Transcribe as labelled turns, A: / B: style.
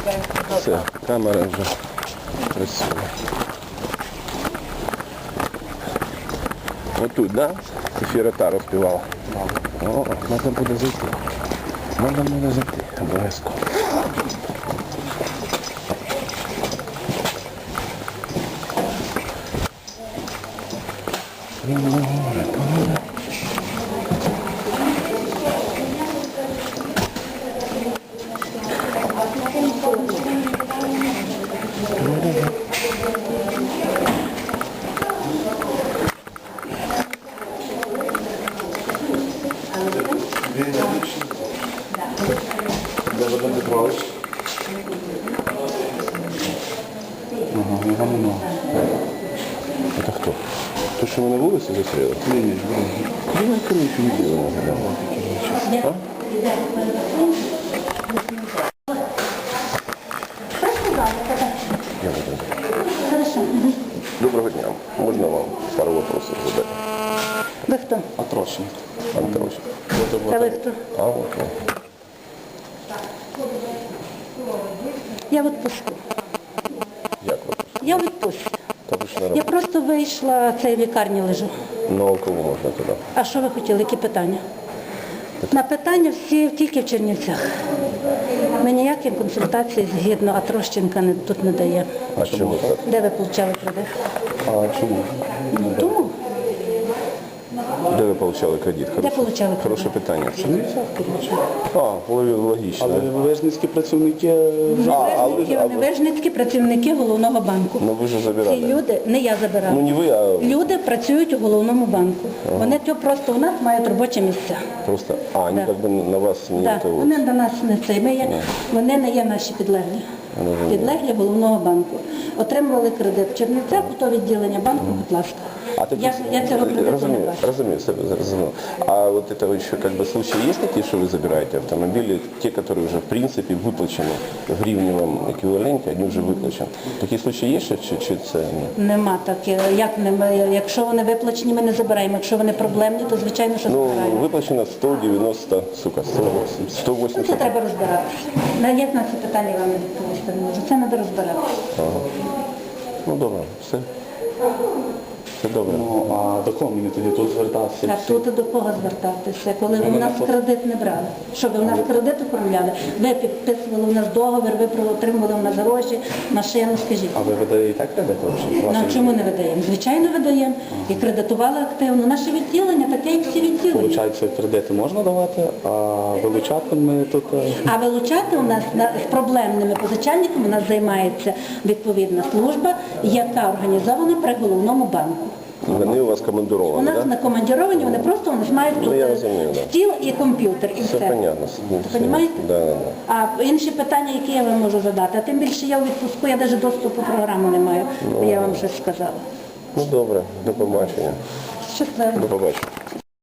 A: Все, камера вже працює. Отут, да? Софія Таро співала. О, треба буде зайти. Треба буде зайти, обов'язково. Это кто? То, что мы на вулиці застряли? Ні. Ну, короче, не дело. А? Доброго дня. Можно вам пару вопросов задать?
B: Ви хто?
A: Атрощин. Антрощин.
B: А ви хто?
A: А, вот.
B: Я в відпустку.
A: Як ви?
B: Я в відпустці.
A: Та ви ж на
B: Я
A: роботі.
B: просто вийшла, в цій лікарні лежу.
A: Ну, а кого можна туди?
B: А що ви хотіли, які питання? На питання всі тільки в Чернівцях. Ми ніякі консультації згідно Атрощенка тут не дає.
A: А чому так?
B: Де ви отримали кредит?
A: А чому?
B: Ну, тому.
A: Де ви отримали кредит?
B: отримали кредит?
A: Хороше питання. А, логічно.
C: Але вижницькі працівники
B: Невижницькі працівники Головного банку.
A: Ну ви ж
B: Ці
A: забирали.
B: люди, не я забирала.
A: Ну не ви, а
B: Люди працюють у Головному банку. Вони просто у нас мають робочі місця.
A: просто, вони
B: Да.
A: якби на вас не
B: Так, вони до нас не це. Вони не є наші підлеглі. Підлеглі Головного банку. Отримували кредит в Чернівцях, у то відділення банку, будь ласка. Я цього кредиту не бачу.
A: Разумею. А вот это еще как бы случаи есть такие, что вы забираете автомобили, те, которые уже в принципе выплачены в гривневом эквиваленте, они уже выплачены. Такие случаи есть, чи це ні?
B: Нема таке. Як немає? Якщо вони виплачені, ми не забираємо. Якщо вони проблемні, то звичайно, що
A: Ну,
B: забираємо.
A: выплачено 190, 180.
B: Це треба розбиратися. Я на ці питання вам не відповісти не можу. Це треба розбиратися.
A: Ну, добре, все. Все добре.
C: Ну, а до кого мені тоді тут звертатися?
B: А тут до кого звертатися, коли ви в нас кредит не брали? Що ви в нас кредит оформляли? Ви підписували в нас договір, ви отримували в нас гроші, машину, скажіть.
C: А ви видаєте кредит?
B: Ну, чому не видаємо? Звичайно, видаємо. І кредитували активно. Наше відділення таке, як всі відділення.
C: Получається, кредити можна давати, а вилучати ми тут...
B: А вилучати у нас з проблемними позичальниками у нас займається відповідна служба, яка організована при Головному банку.
A: Вони у вас
B: У
A: командировані,
B: нас
A: так?
B: не командіровані, вони просто мають тут
A: я розумію, да.
B: стіл і комп'ютер, і
A: Все
B: все.
A: понятно.
B: Понімаєте?
A: Да.
B: А інші питання, які я вам можу задати, а тим більше я у відпуску, я навіть доступу програму не маю, я вам щось сказала.
A: Ну, добре, до побачення.
B: Щасливо.
A: До побачення.